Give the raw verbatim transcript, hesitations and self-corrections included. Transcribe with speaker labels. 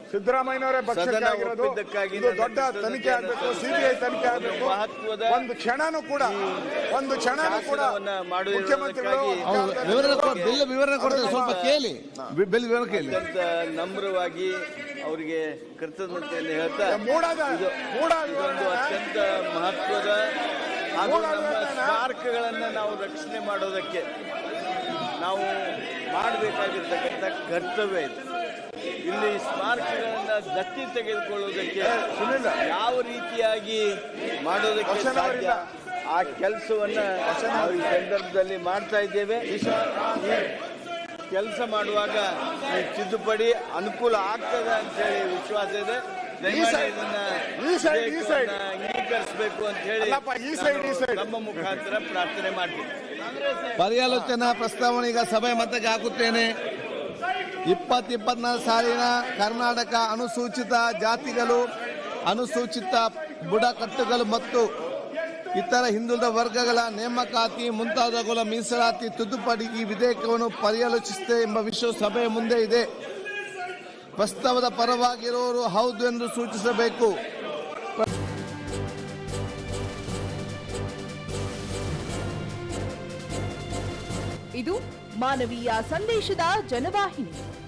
Speaker 1: ಸಿದ್ದರಾಮಯ್ಯನವರೇ ಪಕ್ಷಕ್ಕಾಗಿರೋದು. ಇದು ದೊಡ್ಡ ತನಿಖೆ ಆಗಬೇಕು, ಸಿಬಿಐ ತನಿಖೆ ಆಗಬೇಕು. ಒಂದು ಕ್ಷಣನೂ ಕೂಡ ಒಂದು ಕ್ಷಣನೂ ಕೂಡ ಮುಖ್ಯಮಂತ್ರಿಗಳು
Speaker 2: ಬಿಲ್ ವಿವರಣೆ ಕೊಡ್ತಾರೆ, ಸ್ವಲ್ಪ ಕೇಳಿ, ಬಿಲ್ ವಿವರಣೆ ಕೇಳಿ.
Speaker 3: ನಮ್ರವಾಗಿ ಅವರಿಗೆ ಕೃತಜ್ಞತೆಯನ್ನು ಹೇಳ್ತಾ
Speaker 1: ಇದೊಂದು
Speaker 3: ಅತ್ಯಂತ ಮಹತ್ವದ ಹಾಗೂ ನಮ್ಮ ಸ್ಮಾರಕಗಳನ್ನು ನಾವು ರಕ್ಷಣೆ ಮಾಡೋದಕ್ಕೆ ನಾವು ಮಾಡಬೇಕಾಗಿರ್ತಕ್ಕಂಥ ಕರ್ತವ್ಯ ಇದೆ. ಇಲ್ಲಿ ಸ್ಮಾರಕಗಳನ್ನ ದತ್ತಿ ತೆಗೆದುಕೊಳ್ಳುವುದಕ್ಕೆ ಯಾವ ರೀತಿಯಾಗಿ ಮಾಡೋದಕ್ಕೆ ಸಾಧ್ಯ ಆ ಕೆಲಸವನ್ನ ನಾವು ಈ ಸಂದರ್ಭದಲ್ಲಿ ಮಾಡ್ತಾ ಇದ್ದೇವೆ. ಕೆಲಸ ಮಾಡುವಾಗ ಈ ತಿದ್ದುಪಡಿ ಅನುಕೂಲ ಆಗ್ತದೆ ಅಂತ ಹೇಳಿ ವಿಶ್ವಾಸ ಇದೆ. ಅಂಗೀಕರಿಸಬೇಕು ಅಂತ ಹೇಳಿ ನಮ್ಮ ಮುಖಾಂತರ ಪ್ರಾರ್ಥನೆ ಮಾಡ್ತೀವಿ.
Speaker 2: ಪರ್ಯಾಲೋಚನಾ ಪ್ರಸ್ತಾವನೆ ಈಗ ಸಭೆ ಮತಕ್ಕೆ ಹಾಕುತ್ತೇನೆ. ಇಪ್ಪತ್ತು ಇಪ್ಪತ್ನಾಲ್ಕು ಸಾಲಿನ ಕರ್ನಾಟಕ ಅನುಸೂಚಿತ ಜಾತಿಗಳು, ಅನುಸೂಚಿತ ಬುಡಕಟ್ಟುಗಳು ಮತ್ತು ಇತರ ಹಿಂದುಳಿದ ವರ್ಗಗಳ ನೇಮಕಾತಿ ಮುಂತಾದವುಗಳ ಮೀಸಲಾತಿ ತಿದ್ದುಪಡಿ ಈ ವಿಧೇಯಕವನ್ನು ಪರ್ಯಾಲೋಚಿಸಿದೆ ಎಂಬ ವಿಷಯ ಸಭೆಯ ಮುಂದೆ ಇದೆ. ಪ್ರಸ್ತಾವದ ಪರವಾಗಿರುವವರು ಹೌದು ಎಂದು ಸೂಚಿಸಬೇಕು.
Speaker 4: ಇದು ಮಾನವೀಯ ಸಂದೇಶದ ಜನವಾಹಿನಿ.